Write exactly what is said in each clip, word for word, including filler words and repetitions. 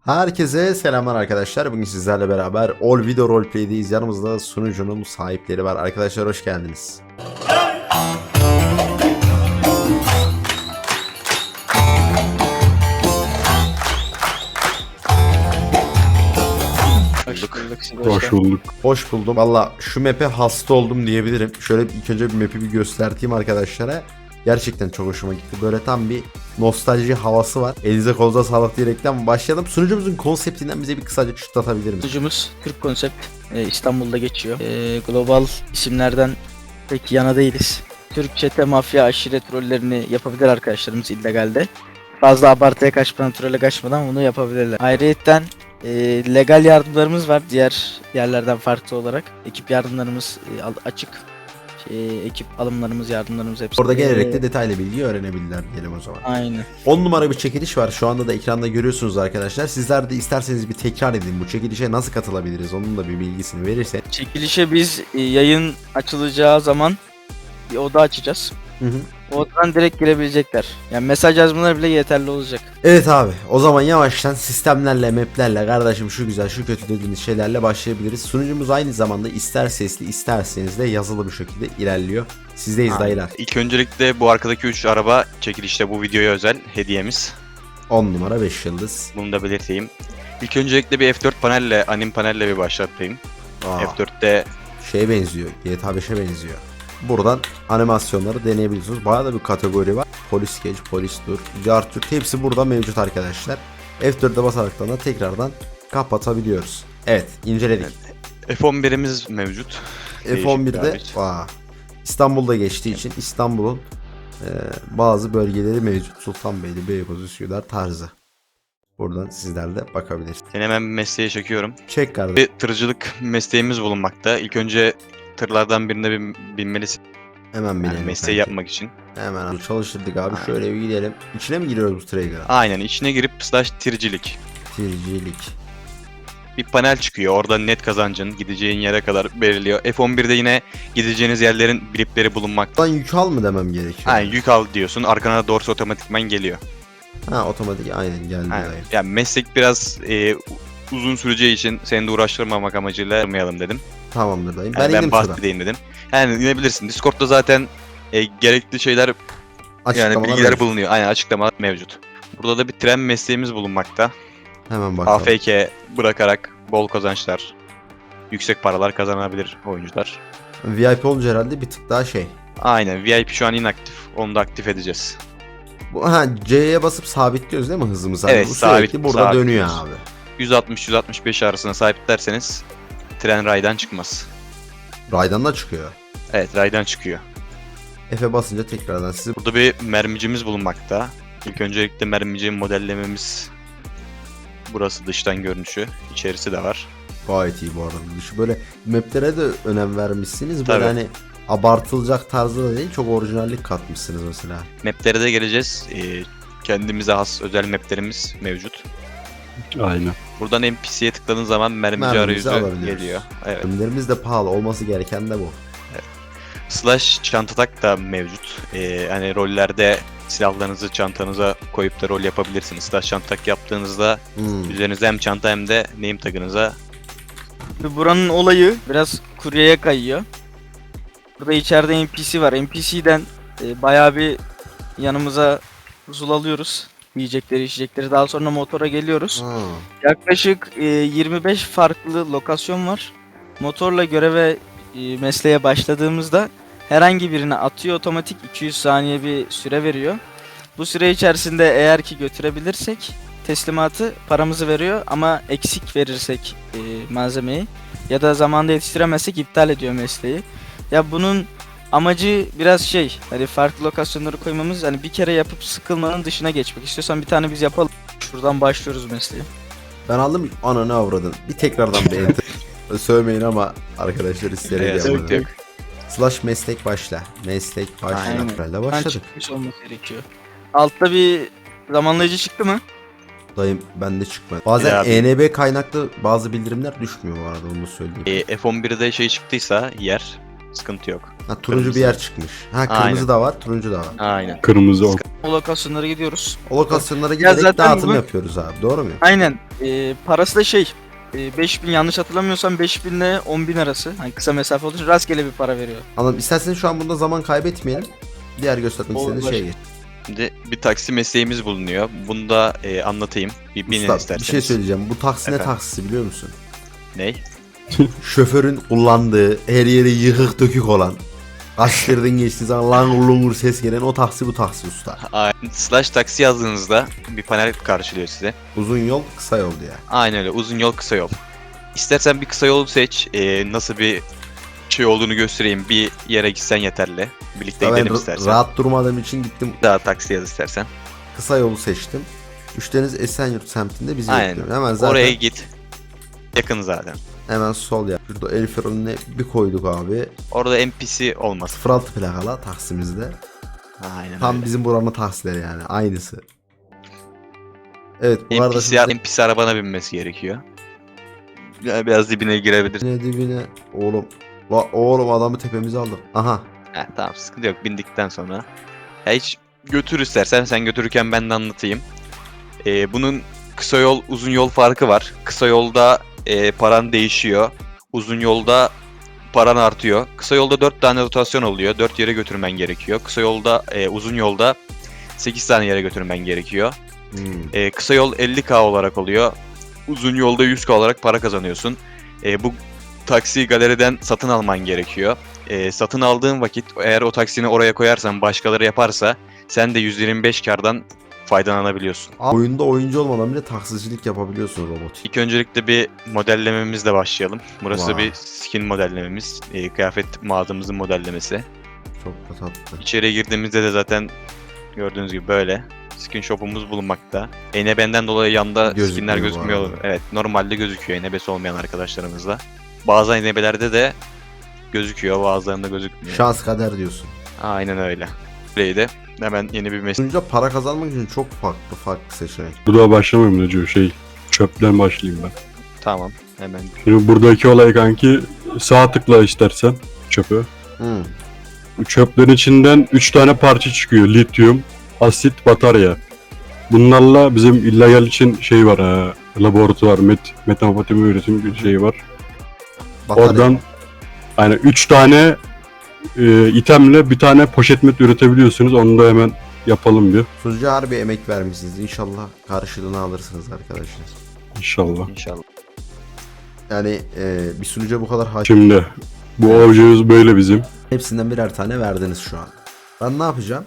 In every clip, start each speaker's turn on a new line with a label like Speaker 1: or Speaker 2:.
Speaker 1: Herkese selamlar arkadaşlar. Bugün sizlerle beraber All Video Roleplay'deyiz. Yanımızda sunucunun sahipleri var. Arkadaşlar hoş geldiniz.
Speaker 2: Hoş bulduk.
Speaker 1: Hoş bulduk. Hoş buldum. Valla şu map'e hasta oldum diyebilirim. Şöyle ilk önce bir map'i bir göstereyim arkadaşlara. Gerçekten çok hoşuma gitti. Böyle tam bir nostalji havası var. Elinize kolunuza sağlık diyerekten başlayalım. Sunucumuzun konseptinden bize bir kısaca çıtlatabilir misiniz?
Speaker 2: Sunucumuz Türk konsept. Ee, İstanbul'da geçiyor. Ee, global isimlerden pek yana değiliz. Türk çete, mafya, aşiret rollerini yapabilir arkadaşlarımız illegalde. Fazla abartıya kaçmadan, trole kaçmadan bunu yapabilirler. Ayrıyeten e, legal yardımlarımız var diğer yerlerden farklı olarak. Ekip yardımlarımız e, açık. E, ekip alımlarımız, yardımlarımız hepsi.
Speaker 1: Orada gelerek de
Speaker 2: Ee,
Speaker 1: detaylı bilgi öğrenebilirler diyelim o zaman.
Speaker 2: Aynen.
Speaker 1: on numara bir çekiliş var. Şu anda da ekranda görüyorsunuz arkadaşlar. Sizler de isterseniz bir tekrar edin. Bu çekilişe nasıl katılabiliriz? Onun da bir bilgisini verirsen.
Speaker 2: Çekilişe biz e, yayın açılacağı zaman bir oda açacağız.
Speaker 1: Hı hı.
Speaker 2: O odadan direkt girebilecekler. Yani mesaj yazmaları bile yeterli olacak.
Speaker 1: Evet abi. O zaman yavaştan sistemlerle, maplerle, kardeşim şu güzel, şu kötü dediğiniz şeylerle başlayabiliriz. Sunucumuz aynı zamanda ister sesli, isterseniz de yazılı bir şekilde ilerliyor. Sizdeyiz
Speaker 3: Ha,
Speaker 1: dayılar.
Speaker 3: İlk öncelikle bu arkadaki üç araba çekilişte bu videoya özel hediyemiz.
Speaker 1: on numara beş yıldız.
Speaker 3: Bunu da belirteyim. İlk öncelikle bir F dört panelle, anim panelle bir başlatayım.
Speaker 1: Aa,
Speaker 3: F dörtte
Speaker 1: şeye benziyor. G T A beşe benziyor. Buradan animasyonları deneyebiliyorsunuz. Bayağı da bir kategori var. Polis geç, polis dur, cartürt hepsi burada mevcut arkadaşlar. F dörde basaraktan da tekrardan kapatabiliyoruz. Evet, inceledik.
Speaker 3: F on birimiz mevcut.
Speaker 1: F on birde
Speaker 3: Değişik
Speaker 1: aa, İstanbul'da geçtiği için İstanbul'un e, bazı bölgeleri mevcut. Sultanbeyli, Beykoz, Üsküdar tarzı. Buradan sizler de bakabilirsiniz.
Speaker 3: Seni hemen mesleğe çekiyorum.
Speaker 1: Çek kardeşim.
Speaker 3: Bir tırcılık mesleğimiz bulunmakta. İlk önce tırlardan birine bin, binmelisin.
Speaker 1: Hemen
Speaker 3: Yani
Speaker 1: binelim.
Speaker 3: mesleği
Speaker 1: kanki.
Speaker 3: yapmak için.
Speaker 1: Hemen çalıştırdık abi.
Speaker 3: Aynen.
Speaker 1: Şöyle bir gidelim. İçine mi giriyoruz bu Traeger'a?
Speaker 3: Aynen içine girip slash tircilik.
Speaker 1: Tircilik.
Speaker 3: Bir panel çıkıyor. Orada net kazancın gideceğin yere kadar belirliyor. F on birde yine gideceğiniz yerlerin blipleri bulunmakta.
Speaker 1: Lan yük al mı demem gerekiyor?
Speaker 3: Ha, yük al diyorsun. Arkana da doğrusu otomatikman geliyor.
Speaker 1: Ha otomatik aynen geldi.
Speaker 3: Aynen.
Speaker 1: dayı.
Speaker 3: Yani meslek biraz e, uzun süreceği için seni de uğraştırmamak amacıyla yapmayalım dedim.
Speaker 1: Tamamdır dayım.
Speaker 3: Yani
Speaker 1: Ben
Speaker 3: ben
Speaker 1: indim şuradan.
Speaker 3: bahsedeyim dedim. Yani inebilirsin. Discord'da zaten e, gerekli şeyler yani
Speaker 1: Açıklamalar
Speaker 3: bilgiler
Speaker 1: mevcut.
Speaker 3: bulunuyor. Aynen açıklamalar mevcut. Burada da bir tren mesleğimiz bulunmakta.
Speaker 1: Hemen bakalım.
Speaker 3: A F K bırakarak bol kazançlar, yüksek paralar kazanabilir oyuncular.
Speaker 1: V I P olunca herhalde bir tık daha şey.
Speaker 3: Aynen V I P şu an inaktif. Onu da aktif edeceğiz.
Speaker 1: Bu, ha C'ye basıp sabitliyoruz değil mi hızımızı?
Speaker 3: Evet,
Speaker 1: Bu sürekli
Speaker 3: sabit-
Speaker 1: burada
Speaker 3: sabit
Speaker 1: dönüyor
Speaker 3: diyoruz.
Speaker 1: abi.
Speaker 3: yüz altmış yüz altmış beş arasına sabitlerseniz tren raydan çıkmaz.
Speaker 1: Raydan da çıkıyor.
Speaker 3: Evet raydan çıkıyor.
Speaker 1: F'e basınca tekrardan sizi
Speaker 3: Burada bir mermicimiz bulunmakta. İlk öncelikle mermici modellememiz burası dıştan görünüşü. İçerisi de var.
Speaker 1: gayet iyi bu arada. Dışı böyle maplere de önem vermişsiniz. Böyle
Speaker 3: Tabii.
Speaker 1: hani abartılacak tarzda da değil, çok orijinallik katmışsınız mesela.
Speaker 3: Maplere de geleceğiz. Ee, kendimize has özel maplerimiz mevcut.
Speaker 4: Aynen.
Speaker 3: Buradan N P C'ye tıkladığın zaman mermici
Speaker 1: Mermimizi
Speaker 3: arayüzü
Speaker 1: alabiliyoruz.
Speaker 3: geliyor. Evet.
Speaker 1: Ürünlerimiz de pahalı, olması gereken de bu.
Speaker 3: Slash çanta tak da mevcut. Ee, hani rollerde silahlarınızı çantanıza koyup da rol yapabilirsiniz. Slash çanta tak yaptığınızda
Speaker 1: Hmm.
Speaker 3: üzerinizde hem çanta hem de name tagınıza.
Speaker 2: Buranın olayı biraz kuryeye kayıyor. Burada içeride N P C var. N P C'den e, bayağı bir yanımıza huzul alıyoruz. Yiyecekleri, içecekleri. Daha sonra motora geliyoruz.
Speaker 1: Ha.
Speaker 2: Yaklaşık e, yirmi beş farklı lokasyon var. Motorla göreve e, mesleğe başladığımızda herhangi birine atıyor, otomatik iki yüz saniye bir süre veriyor. Bu süre içerisinde eğer ki götürebilirsek teslimatı paramızı veriyor ama eksik verirsek e, malzemeyi ya da zamanda yetiştiremezsek iptal ediyor mesleği. Ya bunun amacı biraz şey, hani farklı lokasyonları koymamız, hani bir kere yapıp sıkılmanın dışına geçmek. İstiyorsan bir tane biz yapalım. Şuradan başlıyoruz mesleği.
Speaker 1: Ben aldım ananı avradın. Bir tekrardan bir enter. Sövmeyin ama arkadaşlar isteyerek
Speaker 3: Evet,
Speaker 1: yapmadım.
Speaker 3: sıkıntı yok.
Speaker 1: Slash meslek başla. Meslek başla.
Speaker 2: Aynen.
Speaker 1: Böyle
Speaker 2: Ben
Speaker 1: başladık.
Speaker 2: çıkmış olması gerekiyor. Altta bir zamanlayıcı çıktı mı?
Speaker 1: Dayım bende çıkmadı. Bazen
Speaker 3: Ya abi.
Speaker 1: E N B kaynaklı bazı bildirimler düşmüyor bu arada, onu da söyleyeyim.
Speaker 3: E, F on birde şey çıktıysa yer Sıkıntı yok.
Speaker 1: Ha, turuncu
Speaker 3: Kırmızı.
Speaker 1: bir yer çıkmış. Ha kırmızı
Speaker 3: Aynen.
Speaker 1: da var, turuncu da var.
Speaker 3: Aynen.
Speaker 4: Kırmızı ok.
Speaker 2: O lokasyonlara gidiyoruz.
Speaker 1: O lokasyonlara giderek
Speaker 2: zaten
Speaker 1: dağıtım
Speaker 2: bu-
Speaker 1: yapıyoruz abi. Doğru mu?
Speaker 2: Aynen. Ee, parası da şey. E, beş bin yanlış hatırlamıyorsam beş bin ile on bin arası. Hani kısa mesafe olduğu için rastgele bir para veriyor.
Speaker 1: Anladım. İsterseniz şu an bunda zaman kaybetmeyelim. Diğer göstermek
Speaker 2: Olur,
Speaker 1: istediğiniz şeye geç.
Speaker 3: Şimdi bir taksi mesleğimiz bulunuyor. Bunu da e, anlatayım. Bir binin
Speaker 1: Usta, bir
Speaker 3: isterseniz.
Speaker 1: şey söyleyeceğim. Bu taksi ne
Speaker 3: Efendim?
Speaker 1: taksisi biliyor musun?
Speaker 3: Ney?
Speaker 1: Şoförün kullandığı, her yeri yıkık dökük olan, gazetelerden geçtiği zaman langur lungur ses gelen o taksi bu taksi usta.
Speaker 3: Aynen. Slash taksi yazdığınızda bir panel karşılıyor size.
Speaker 1: Uzun yol kısa yol diye.
Speaker 3: Aynen öyle. Uzun yol, kısa yol. İstersen bir kısa yolu seç. E, nasıl bir şey olduğunu göstereyim. Bir yere gitsen yeterli. Birlikte
Speaker 1: Ya ben
Speaker 3: gidelim
Speaker 1: ra-
Speaker 3: istersen.
Speaker 1: rahat durmadığım için gittim
Speaker 3: Daha taksi yaz istersen.
Speaker 1: kısa yolu seçtim. Müşteriniz Esenyurt semtinde bizi
Speaker 3: Aynen.
Speaker 1: bekliyor. Hemen zaten
Speaker 3: Oraya git. Yakın zaten.
Speaker 1: hemen sol yap. Şurada el frenine bir koyduk abi.
Speaker 3: Orada N P C olmaz.
Speaker 1: sıfır altı plakalı taksimizde.
Speaker 3: Aynen
Speaker 1: Tam
Speaker 3: öyle.
Speaker 1: bizim buranın taksileri yani. Aynısı. Evet bu arada
Speaker 3: N P C,
Speaker 1: size-
Speaker 3: N P C arabana binmesi gerekiyor. Ya biraz dibine girebilir.
Speaker 1: Dibine dibine. Oğlum. La, oğlum adamı tepemize aldık. Aha.
Speaker 3: Ha, tamam sıkıntı yok bindikten sonra. Ya hiç götür istersen sen götürürken ben de anlatayım. Ee, bunun kısa yol uzun yol farkı var. Kısa yolda e, paran değişiyor. Uzun yolda paran artıyor. Kısa yolda dört tane rotasyon oluyor. dört yere götürmen gerekiyor. Kısa yolda e, uzun yolda sekiz tane yere götürmen gerekiyor.
Speaker 1: Hmm.
Speaker 3: E, kısa yol elli K olarak oluyor. Uzun yolda yüz K olarak para kazanıyorsun. E, bu taksiyi galeriden satın alman gerekiyor. E, satın aldığın vakit eğer o taksini oraya koyarsan başkaları yaparsa sen de yüzde yirmi beş kardan faydalanabiliyorsun.
Speaker 1: Aa, oyunda oyuncu olmadan bile taksicilik yapabiliyorsun robot.
Speaker 3: İlk öncelikle bir modellememizle başlayalım. Burası
Speaker 1: Wow.
Speaker 3: bir skin modellememiz. E, kıyafet mağazamızın modellemesi.
Speaker 1: Çok da tatlı.
Speaker 3: İçeriye girdiğimizde de zaten gördüğünüz gibi böyle skin shop'umuz bulunmakta. E N B'den dolayı yanda
Speaker 1: Gözükmüyor
Speaker 3: skinler
Speaker 1: bu
Speaker 3: gözükmüyor.
Speaker 1: arada.
Speaker 3: Evet, normalde gözüküyor E N B'si olmayan arkadaşlarımızla. Bazı E N B'lerde de gözüküyor, bazılarında gözükmüyor.
Speaker 1: Şans kader diyorsun.
Speaker 3: Aynen öyle. Burayı da hemen yeni bir meslek.
Speaker 1: Oyunca para kazanmak için çok farklı farklı seçenek.
Speaker 4: Burada başlamayayım da diyor şey. Çöpten başlayayım ben.
Speaker 3: Tamam, hemen.
Speaker 4: Şimdi buradaki olay kanki sağ tıkla istersen çöpü.
Speaker 1: Hmm.
Speaker 4: Bu çöplerin içinden üç tane parça çıkıyor. Lityum, asit, batarya. Bunlarla bizim illegal için şey var ha. Laboratuvar, met, metamfetamin üretim bir şey var.
Speaker 1: Batarya.
Speaker 4: Oradan yani üç tane e, itemle bir tane poşet met üretebiliyorsunuz. Onu da hemen yapalım bir.
Speaker 1: Sunucu harbi emek vermişsiniz. İnşallah karşılığını alırsınız arkadaşlar.
Speaker 4: İnşallah.
Speaker 3: İnşallah.
Speaker 1: Yani e, bir sunucuya bu kadar hakim.
Speaker 4: Şimdi bu objemiz böyle bizim.
Speaker 1: Hepsinden birer tane verdiniz şu an. Ben ne yapacağım?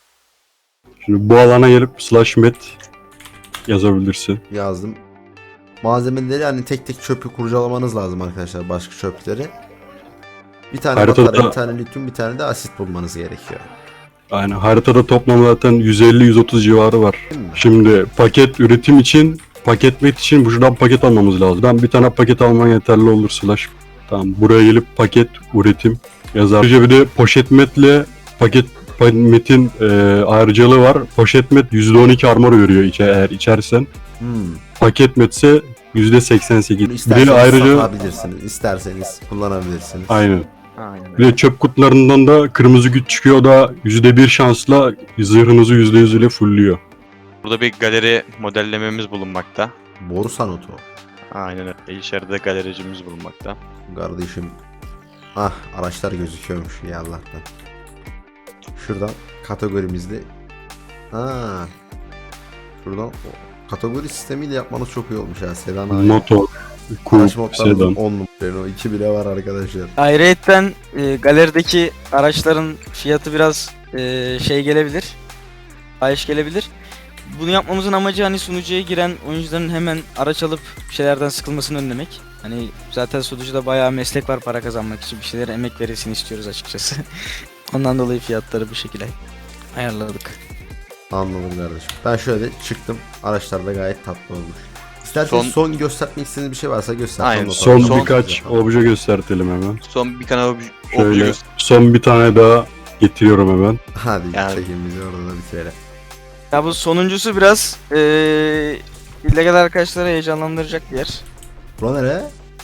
Speaker 4: Şimdi bu alana gelip slash met yazabilirsin.
Speaker 1: Yazdım. Malzemeleri hani tek tek çöpü kurcalamanız lazım arkadaşlar. Başka çöpleri. Bir tane
Speaker 4: Haritada-
Speaker 1: batarya, bir tane lityum, bir tane de asit bulmanız gerekiyor.
Speaker 4: Yani haritada toplam zaten yüz elli yüz otuz civarı var.
Speaker 1: Değil mi?
Speaker 4: Şimdi paket üretim için, paket met için buradan paket almamız lazım. Ben bir tane paket alman yeterli olur slash. Tamam, buraya gelip paket üretim yazar. Ayrıca bir de poşet metle paket metin e, ayrıcalığı var. Poşet met yüzde on iki armor veriyor içe, eğer içersen.
Speaker 1: Hmm.
Speaker 4: Paket metse yüzde seksen sekiz.
Speaker 1: Bunu
Speaker 4: Bir
Speaker 1: isterseniz
Speaker 4: de ayrıca
Speaker 1: satabilirsiniz. İsterseniz kullanabilirsiniz.
Speaker 4: aynen.
Speaker 3: Aynen
Speaker 4: Bir de çöp kutularından da kırmızı güç çıkıyor. O da yüzde bir şansla zırhınızı yüzde yüz ile fullüyor.
Speaker 3: Burada bir galeri modellememiz bulunmakta.
Speaker 1: Borsa notu.
Speaker 3: Aynen öyle. İçeride galericimiz bulunmakta.
Speaker 1: Kardeşim. Ah araçlar gözüküyormuş ya Allah'tan. Şuradan kategorimizde. Ha. Şuradan o kategori sistemiyle yapmanız çok iyi olmuş ya. Sedan abi.
Speaker 4: Motor,
Speaker 1: Araç
Speaker 4: coupe,
Speaker 1: modlarımızın
Speaker 4: sedan.
Speaker 1: on numara. O iki bile var arkadaşlar.
Speaker 2: Ayrıyeten e, galerideki araçların fiyatı biraz e, şey gelebilir. Fahiş gelebilir. Bunu yapmamızın amacı hani sunucuya giren oyuncuların hemen araç alıp bir şeylerden sıkılmasını önlemek. Hani zaten sunucuda bayağı meslek var para kazanmak için bir şeylere emek verilsin istiyoruz açıkçası. Ondan dolayı fiyatları bu şekilde ayarladık.
Speaker 1: Anladım kardeşim. Ben şöyle çıktım. Araçlar da gayet tatlı olmuş. İsterseniz son,
Speaker 3: Son-
Speaker 1: göstermek istediğiniz bir şey varsa göster.
Speaker 3: Aynen,
Speaker 1: Sonra
Speaker 4: Son,
Speaker 1: sonra-
Speaker 4: birkaç
Speaker 1: Sonra-
Speaker 4: obje göstertelim hemen.
Speaker 3: Son bir kanal
Speaker 4: Şöyle son bir tane daha getiriyorum hemen.
Speaker 1: Hadi
Speaker 3: Yani-
Speaker 1: çekin bizi orada da bitirelim.
Speaker 2: Ya bu sonuncusu biraz eee illegal arkadaşları heyecanlandıracak bir yer.
Speaker 1: Bura nere?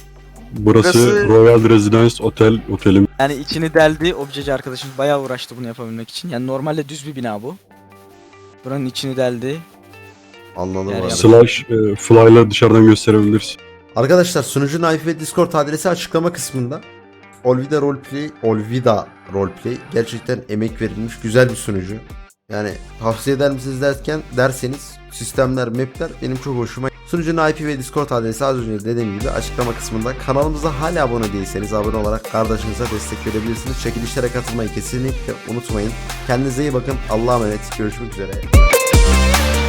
Speaker 4: Burası,
Speaker 2: Burası-
Speaker 4: Royal Residence Otel otelim.
Speaker 2: Yani içini deldi. Objeci arkadaşımız bayağı uğraştı bunu yapabilmek için. Yani normalde düz bir bina bu. Buranın içini deldi.
Speaker 1: Anladım
Speaker 2: Yani
Speaker 1: abi.
Speaker 2: yap-
Speaker 4: Slash e, fly'la dışarıdan gösterebilirsin.
Speaker 1: Arkadaşlar sunucunun I P ve Discord adresi açıklama kısmında. Olvida Roleplay, Olvida Roleplay gerçekten emek verilmiş güzel bir sunucu. Yani tavsiye eder misiniz derken derseniz sistemler, mapler benim çok hoşuma. Sunucunun I P ve Discord adresi az önce dediğim gibi açıklama kısmında. Kanalımıza hala abone değilseniz abone olarak kardeşinize destek verebilirsiniz. Çekilişlere katılmayı kesinlikle unutmayın. Kendinize iyi bakın. Allah'a emanet. Görüşmek üzere.